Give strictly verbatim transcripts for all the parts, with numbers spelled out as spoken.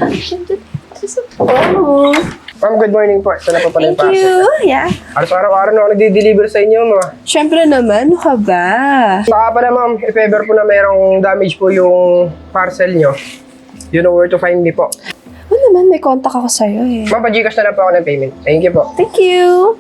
Oh. Ma'am, good morning po. Ito na po pala yung Thank parcel. you. Yeah. Araw-araw na ako nagdi-deliver sa inyo, mga. Siyempre naman, ano ka ba? Saka pala, ma'am, if ever po na mayroong damage po yung parcel nyo, you know where to find me po. Ano naman, may contact ako sa'yo eh. Ma'am, pa-Gcash na lang po ako ng payment. Thank you po. Thank you.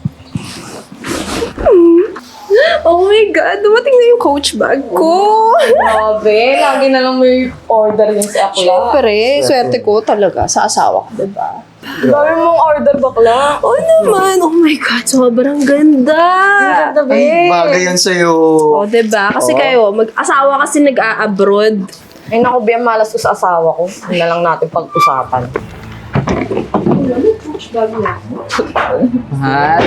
Hmm. Oh my God, dumating na yung coach bag ko. Grabe, lagi na lang may order yung si Akla. Siyempre, swerte ko talaga sa asawa ko, diba? Dami mong order, bakla. Oh naman, oh my God, sobrang ganda. Ganda, Ay, babe. bagay yan sa'yo. Oh, diba? Kasi kayo, mag-asawa kasi nag-a-abroad. Ay, naku, Bea, malas ko sa asawa ko. Yun na lang natin pag-usapan. Mahal.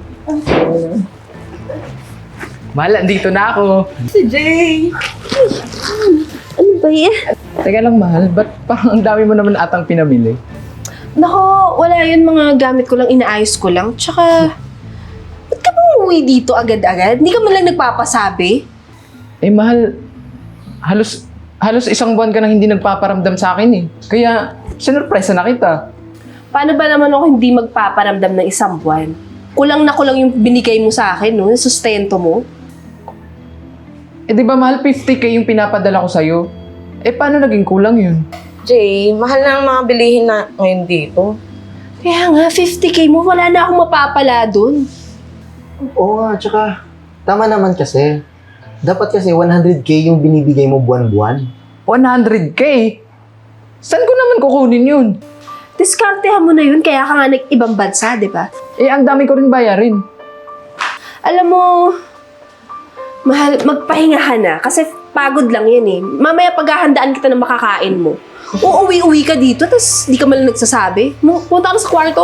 Mahal, andito na ako. Si Jay. Ano ba yan? Teka lang, mahal. Ba't parang ang dami mo naman atang pinamili? Nako, wala yun, mga gamit ko lang, inaayos ko lang. Tsaka, ba't ka ba umuwi dito agad-agad? Hindi ka man lang nagpapasabi? Eh, mahal. Halos, halos isang buwan ka nang hindi nagpaparamdam sa akin eh. Kaya, sinurpresa na kita. Paano ba naman ako hindi magpaparamdam ng isang buwan? Kulang na kulang yung binigay mo sa akin, no? Yung sustento mo. Eh, di ba mahal, fifty K yung pinapadala ko sa'yo? Eh, paano naging kulang yun? Jay, mahal na ang mga bilihin na ngayon dito. Kaya nga, fifty K mo, wala na akong mapapala dun. Oo nga, tsaka tama naman kasi. Dapat kasi one hundred K yung binibigay mo buwan-buwan. one hundred K? Saan ko naman kukunin yun? Diskartehan mo na yun, kaya ka nga nag-ibang bansa, di ba? Eh, ang dami ko rin bayarin. Alam mo, mahal, magpahinga ka na, kasi pagod lang yan eh. Mamaya paghahandaan kita ng makakain mo. Uuwi-uwi ka dito, tapos di ka malang nagsasabi. Mo, punta ka na sa kwarto.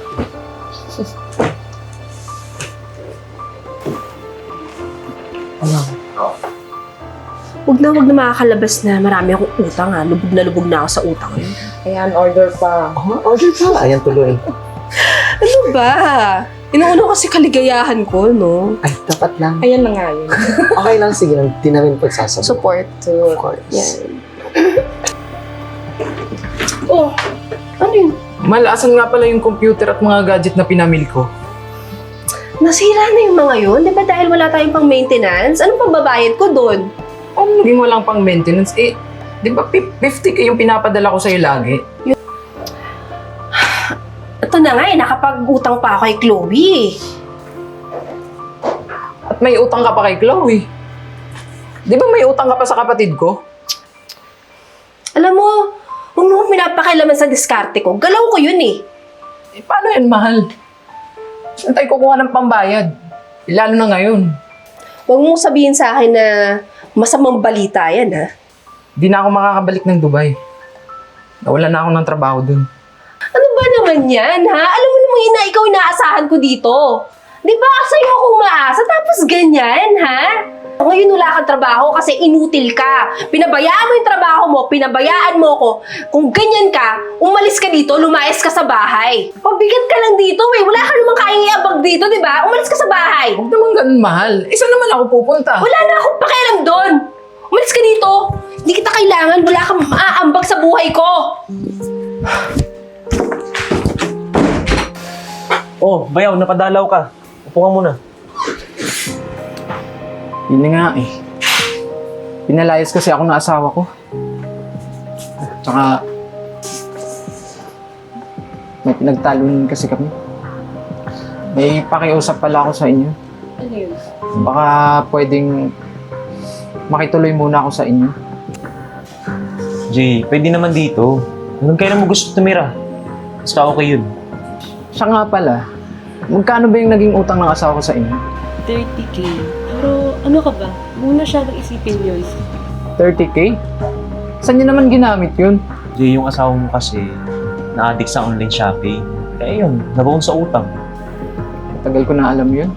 Ano? Huwag na huwag na makakalabas na marami akong utang ha. Lubog na lubog na ako sa utang yun. Ayan, order pa. Oh, order pa. Ayan tuloy. Ano ba? Inuuna kasi kaligayahan ko, no? Ay, dapat lang. Ayan na nga yun. Okay lang, sige lang. Di namin pagsasabi. Support. Of course. Yan. Oh, ano yun? Mahal, asan nga pala yung computer at mga gadget na pinamili ko? Nasira na yung mga yun? Di ba dahil wala tayong pang maintenance? Anong pambabayad ko doon? Ano naging walang pang maintenance? Eh, di ba fifty K yung pinapadala ko sa'yo lagi? Ito na nga eh, nakapag-utang pa ako kay Chloe eh. At may utang ka pa kay Chloe. Di ba may utang ka pa sa kapatid ko? Alam mo, huwag mo akong pinapakailaman sa diskarte ko. Galaw ko yun eh. Eh, paano yan, mahal? Saan tayo kukuha ng pambayad? Eh, lalo na ngayon. Huwag mong sabihin sa akin na masamang balita yan ha. Di na ako makakabalik ng Dubai. Nawala na ako ng trabaho dun. Ano ba naman yan ha? Alam mo namang ina, ikaw inaasahan ko dito. Di ba sa'yo akong maasa tapos ganyan ha? Ngayon wala kang trabaho kasi inutil ka. Pinabayaan mo yung trabaho mo, pinabayaan mo ko. Kung ganyan ka, umalis ka dito, lumayas ka sa bahay. Pabigat ka lang dito eh. Wala ka namang kayang iabag dito, di ba? Umalis ka sa bahay. Huwag naman ganun, mahal. Isa naman ako pupunta. Wala na akong pakialam doon. Umalis ka dito. Hindi kita kailangan. Wala kang maaambag sa buhay ko. Oh, bayaw, napadalaw ka. Upo ka muna. Yun na nga eh. Pinalayas kasi ako ng asawa ko. Tsaka, may pinagtalunan kasi kami. May pakiusap pala ako sa inyo. Ano yun? Baka pwedeng makituloy muna ako sa inyo. Jay, pwede naman dito. Hanggang kailan mo gusto tumira? Basta okay yun. Siya nga pala, magkano ba yung naging utang ng asawa ko sa inyo? thirty K. Pero ano ka ba? Muna siya isipin yun. thirty K? Saan niyo naman ginamit yun? Jay, yung asawa mo kasi na-addict sa online shopping. Kaya yun, nabaon sa utang. Tagal ko na alam yun.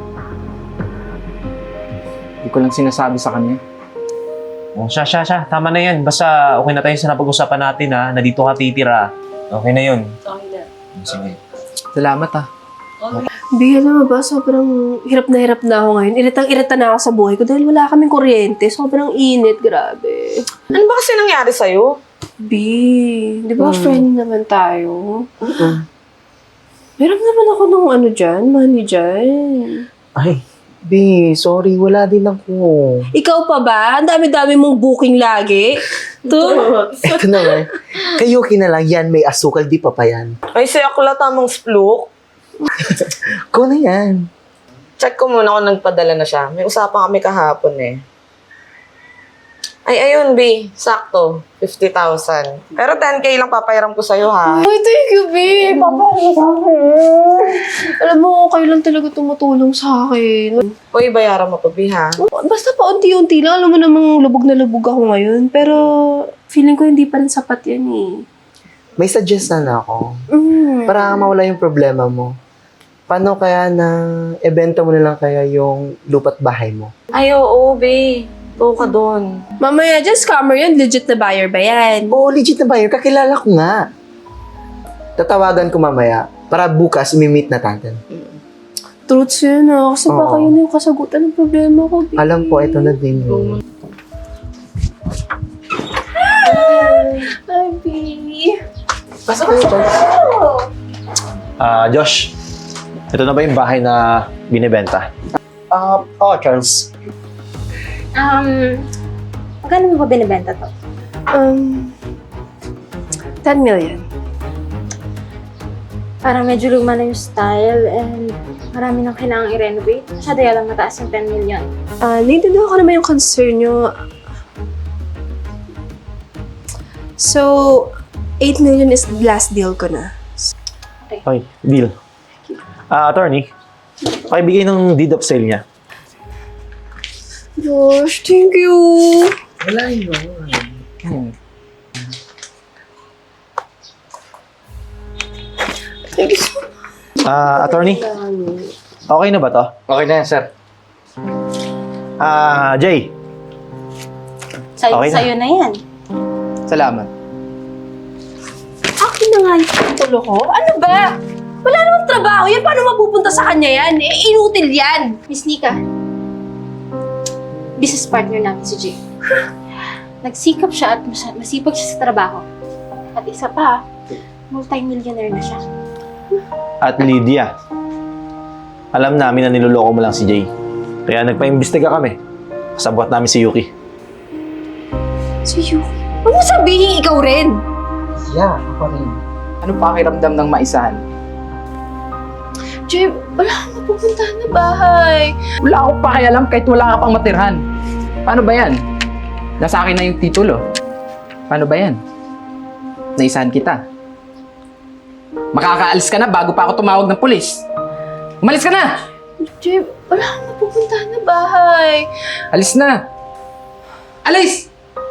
Hindi ko lang sinasabi sa kanya. Oh, siya, siya, siya. Tama na yan. Basta okay na tayo sa napag-usapan natin ha, na dito ka titira. Okay na yun. Okay na. Sige. Salamat ah. Bi, alam mo ba, sobrang hirap na hirap na ako ngayon. Iritang-irita na ako sa buhay ko dahil wala kaming kuryente. Sobrang init, grabe. Ano ba kasi nangyari sa'yo? B, di ba friend naman tayo? Oo. Meron naman ako ng ano dyan, money dyan. Ay, B, sorry, wala din ako. Ikaw pa ba? Ang dami-dami mong booking lagi. To? Ito naman, kayo kinalang yan, may asukal, di pa pa yan. Ay, si Akla, tamang spluk. Ko na yan. Check ko muna kung nagpadala na siya. May usapan kami kahapon eh. Ay, ayun, B. Sakto. fifty thousand. Pero ten K lang papayaram ko sa'yo, ha? Ay, thank you, B. Papa, alam mo, kayo lang talaga tumutulong sa akin. Uy, bayaran mo pa, B, ha? Basta pa unti-unti lang. Alam mo namang lubog na lubog ako ngayon. Pero feeling ko hindi pa rin sapat yan eh. May suggestion ako. Mm. Para mawala yung problema mo. Paano kaya na ibenta mo na lang kaya yung lupa't bahay mo? Ay, oo, B. Go ka doon. Mamaya dyan, scammer yun. Legit na buyer ba yan? Oo, legit na buyer. Kakilala ko nga. Tatawagan ko mamaya para bukas imi-meet na natin. Truths yun ah. Kasi Oo. baka yun yung kasagutan ng problema ko, B. Alam ko, ito na din yun. Ay, B. Ah, Josh. Ito na ba yung bahay na binibenta? Ah, oh, Charles. Um, magkano mo ba binibenta to? Um, ten million. Parang medyo luma na yung style and marami nang kailangang i-renovate. Masyado lang mataas yung ten million. Ah, naiintindihan ko naman yung concern nyo. So, eight million is the last deal ko na. Okay, deal. Ah, attorney. Pakibigay ng deed of sale niya. Gosh, thank you. Wala yun. Thank you so much. Ah, attorney. Okay na ba to? Okay na yan, sir. Ah, Jay. Sa'yo, Okay na. sa'yo na yan. Salamat. Akin na nga yung titulo ko. Ano ba? Wala namang trabaho yan. Paano mapupunta sa kanya yan? Eh, inutil yan. Miss Nika, business partner natin si Jay. Nagsikap siya at mas- masipag siya sa trabaho. At isa pa, multi-millionaire na siya. At Lydia. Alam namin na niloloko mo lang si Jay. Kaya nagpa-imbestiga kami. Kasabwat namin si Yuki. Si Yuki. Huwag mo sabihin ikaw rin. Yeah, ako rin. Ano pakiramdam ng maisahan? Jay, wala kang mapupuntahan na bahay. Wala akong pakialam kahit wala ka pang matirhan. Paano ba yan? Nasa akin na yung titulo. Paano ba yan? Naisahan kita. Makakaalis ka na bago pa ako tumawag ng pulis. Umalis ka na! Jay, wala kang mapupuntahan na bahay. Alis na! Alis!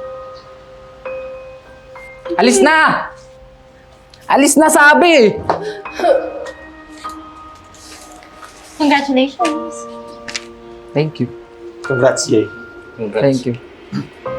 Alis na! Alis na sabi! Congratulations! Thank you. Congrats, Jay. Thank you.